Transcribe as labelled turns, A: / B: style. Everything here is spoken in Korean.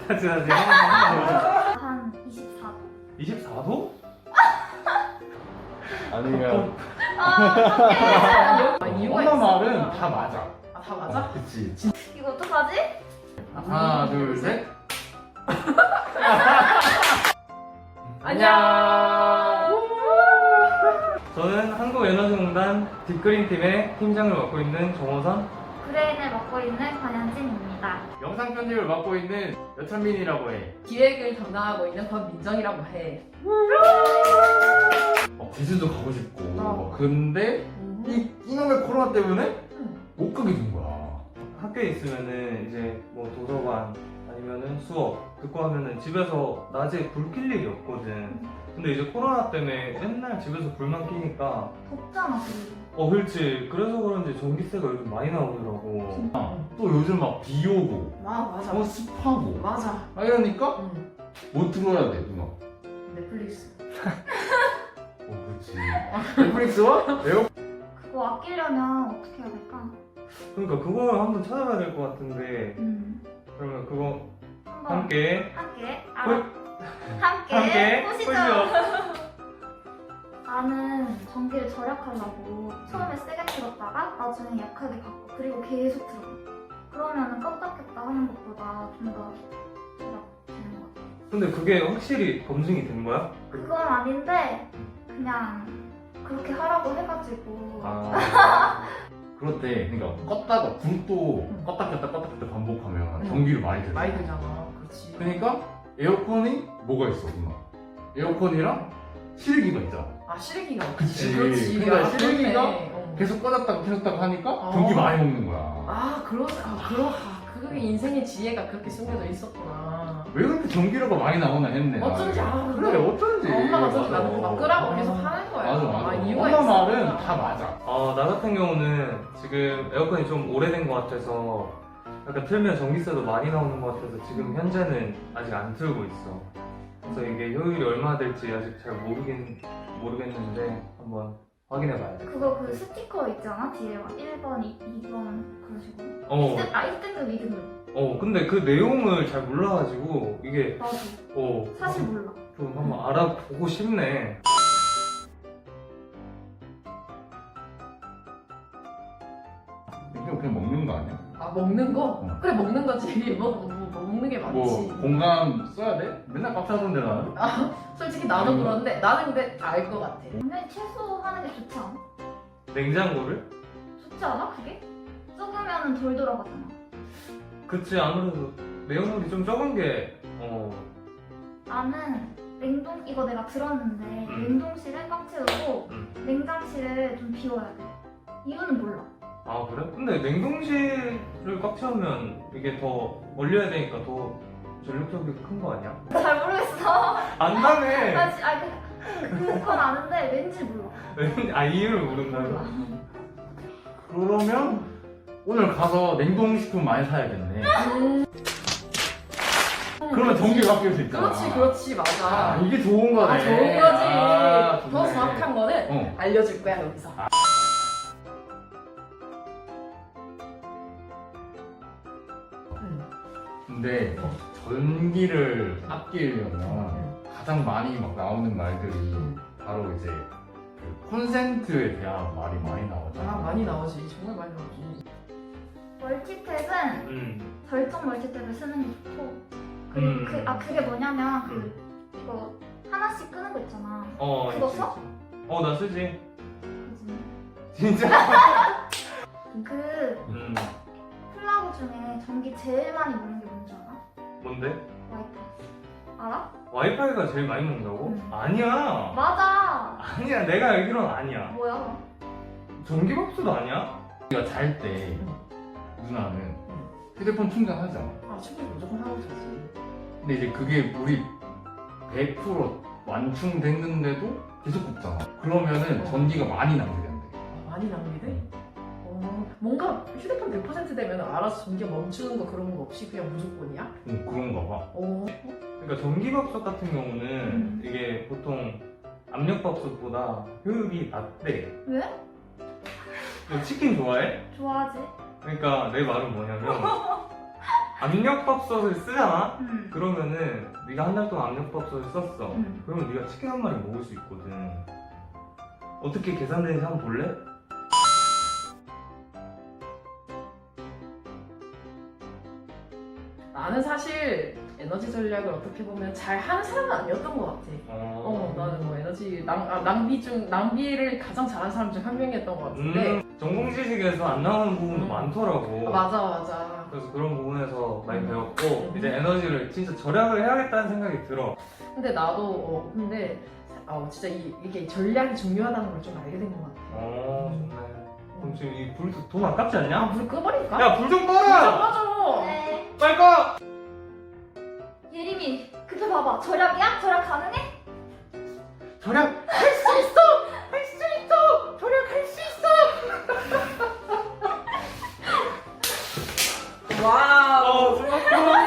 A: 다시 한번
B: 한 24도?
A: 24도?
C: 아니면
D: 이유가
C: 엄마
D: 있어.
C: 말은 다 맞아.
D: 아, 다 맞아?
C: 그치.
B: 이거 어떡하지?
C: 하나, 둘, 셋.
D: 안녕.
A: 저는 한국에너지공단 딥그린팀의 팀장을 맡고 있는 정호선.
B: 브레인을 맡고 있는 권현진입니다.
C: 영상 편집을 맡고 있는 여찬민이라고 해.
D: 기획을 담당하고 있는 권민정이라고 해.
C: 제주도 가고 싶고.
D: 어.
C: 근데 이놈의 코로나 때문에 못 가게 된 거야.
A: 학교에 있으면은 이제 뭐 도서관 아니면은 수업 듣고 하면은 집에서 낮에 불 켤 일이 없거든. 근데 이제 코로나 때문에 맨날 집에서 불만 켜니까
B: 덥잖아, 그리고.
A: 그렇지. 그래서 그런지 전기세가 요즘 많이 나오더라고.
C: 또 요즘 막 비 오고,
D: 맞아.
C: 습하고.
D: 맞아.
C: 이러니까
D: 응.
C: 뭐 들어야 돼, 누나?
D: 넷플릭스.
C: 그렇지. 넷플릭스와 에어.
B: 그거 아끼려면 어떻게 해야 될까?
A: 그러니까 그걸 한번 찾아봐야 될 것 같은데 그러면 그거
B: 한번
A: 함께
B: 함께 보시죠.
A: 보시죠.
B: 나는 전기를 절약하려고 처음에 세게 틀었다가 나중에 약하게 바꿔. 그리고 계속 틀어. 그러면은 껐다 켰다 하는 것보다 좀 더 절약되는 것 같아.
A: 근데 그게 확실히 검증이 된 거야?
B: 그건 아닌데 그냥 그렇게 하라고 해가지고.
C: 그렇대. 그러니까 껐다가 불도 껐다 켰다 반복하면 전기를 많이 들어.
D: 많이 들잖아. 그렇지.
C: 그러니까 에어컨이 뭐가 있어, 누나? 에어컨이랑 실기가 있잖아.
D: 아, 실기가 없지.
C: 그치.
D: 그렇지.
C: 그러니까
D: 아,
C: 실기가
D: 그렇네.
C: 계속 꺼졌다가 켜졌다가 하니까
D: 어.
C: 전기 많이 먹는 거야.
D: 그게 인생의 지혜가 그렇게 숨겨져 있었구나.
C: 왜 그렇게 전기료가 많이 나오나 했네.
D: 어쩐지
C: 나는.
D: 알아.
C: 그래, 어쩐지.
D: 엄마가 저기
C: 맞아.
D: 나보고 막 끄라고 계속 하는 거야.
C: 맞아.
D: 이유가
C: 엄마
D: 있어.
C: 말은 다 맞아.
A: 나 같은 경우는 지금 에어컨이 좀 오래된 것 같아서 약간 틀면 전기세도 많이 나오는 것 같아서 지금 현재는 아직 안 틀고 있어. 그래서 이게 효율이 얼마나 될지 아직 잘 모르겠는데 한번 확인해 봐야 돼.
B: 그거 그 스티커 있잖아 뒤에 막 1번, 2번 그런 식으로. 1등급, 2등급.
A: 근데 그 내용을 잘 몰라가지고 이게
B: 나도 사실 몰라.
A: 좀 한번 알아보고 싶네.
C: 이거 그냥 먹는 거 아니야?
D: 아, 먹는 거?
C: 응.
D: 그래, 먹는 거지. 먹는 게 맞지.
C: 뭐 공감 써야 돼? 맨날 밥 사던데 나는?
D: 솔직히 나도 그런데 나는 근데 알 것 같아.
B: 근데 최소하는 게 좋지 않아?
A: 냉장고를?
B: 좋지 않아 그게? 적으면 덜 돌아가잖아.
A: 그치, 아무래도 내용물이 좀 적은 게
B: 나는 이거 내가 들었는데 냉동실을 꽉 채우고 냉장실을 좀 비워야 돼. 이유는 몰라.
A: 아 그래? 근데 냉동실을 꽉 채우면 이게 더 얼려야 되니까 더 전력적이 큰 거 아니야?
B: 잘 모르겠어.
A: 안다네.
B: 그건 아는데 왠지 몰라.
A: 이유를 모른다고?
B: 몰라.
C: 그러면 오늘 가서 냉동식품 많이 사야겠네. 그러면 전기가 바뀔 수 있잖아.
D: 그렇지, 맞아.
C: 이게 좋은 거네.
D: 좋은 거지.
C: 좋네.
D: 더 정확한 거는 알려줄 거야, 여기서.
C: 근데 전기를 아끼려면 가장 많이 막 나오는 말들이 바로 이제 그 콘센트에 대한 말이 많이 나오잖아.
D: 많이 나오지. 정말 많이 나오지.
B: 멀티탭은 절정 멀티탭을 쓰는 게 좋고 그리고 그게 뭐냐면 이거 하나씩 끄는 거 있잖아. 그거 써?
A: 나 쓰지.
B: 요즘에.
A: 진짜?
B: 그 플러그 중에 전기 제일 많이 먹는 게 뭔지 알아?
A: 뭔데?
B: 와이파이. 알아?
A: 와이파이가 제일 많이 먹는다고? 아니야.
B: 맞아.
A: 아니야. 내가 알기로는 아니야.
B: 뭐야 그럼?
A: 전기밥솥도 아니야?
C: 우리가 잘 때 누나는 휴대폰 충전하잖아.
D: 충전 무조건 하고 자지.
C: 근데 이제 그게 우리 100% 완충됐는데도 계속 굽잖아. 그러면은 전기가 많이 낭비된대.
D: 많이 낭비돼? 뭔가 휴대폰 100% 되면 알아서 전기가 멈추는 거 그런 거 없이 그냥 무조건이야?
C: 그런가 봐.
A: 그러니까 전기밥솥 같은 경우는 이게 보통 압력밥솥보다 효율이 낮대.
B: 왜?
A: 너 치킨 좋아해?
B: 좋아하지.
A: 그러니까 내 말은 뭐냐면 압력밥솥을 쓰잖아?
B: 응.
A: 그러면은 네가 한 달 동안 압력밥솥을 썼어.
B: 응.
A: 그러면 네가 치킨 한 마리 먹을 수 있거든. 어떻게 계산되는지 한번 볼래?
D: 나는 사실 에너지 전략을 어떻게 보면 잘 하는 사람은 아니었던 것 같아. 나는 뭐 에너지 낭비를 가장 잘하는 사람 중 한 명이었던 것 같은데.
A: 전공 지식에서 안 나오는 부분도 많더라고.
D: 맞아.
A: 그래서 그런 부분에서 많이 배웠고
D: 음.
A: 이제 에너지를 진짜 절약을 해야겠다는 생각이 들어.
D: 근데 나도 진짜 이게 전략이 중요하다는 걸 좀 알게 된 것 같아.
A: 정말. 그럼 지금 이 불 돈 아깝지 않냐?
D: 불 꺼버릴까?
A: 야, 불 좀
D: 좀
A: 꺼라!
D: 꺼줘.
B: 네.
A: 빨리 꺼!
B: 예림이 그때 봐봐. 절약이야? 절약 가능해?
A: 절약!
D: 할 수 있어. 절약할 수 있어. 와우.
A: 생각보다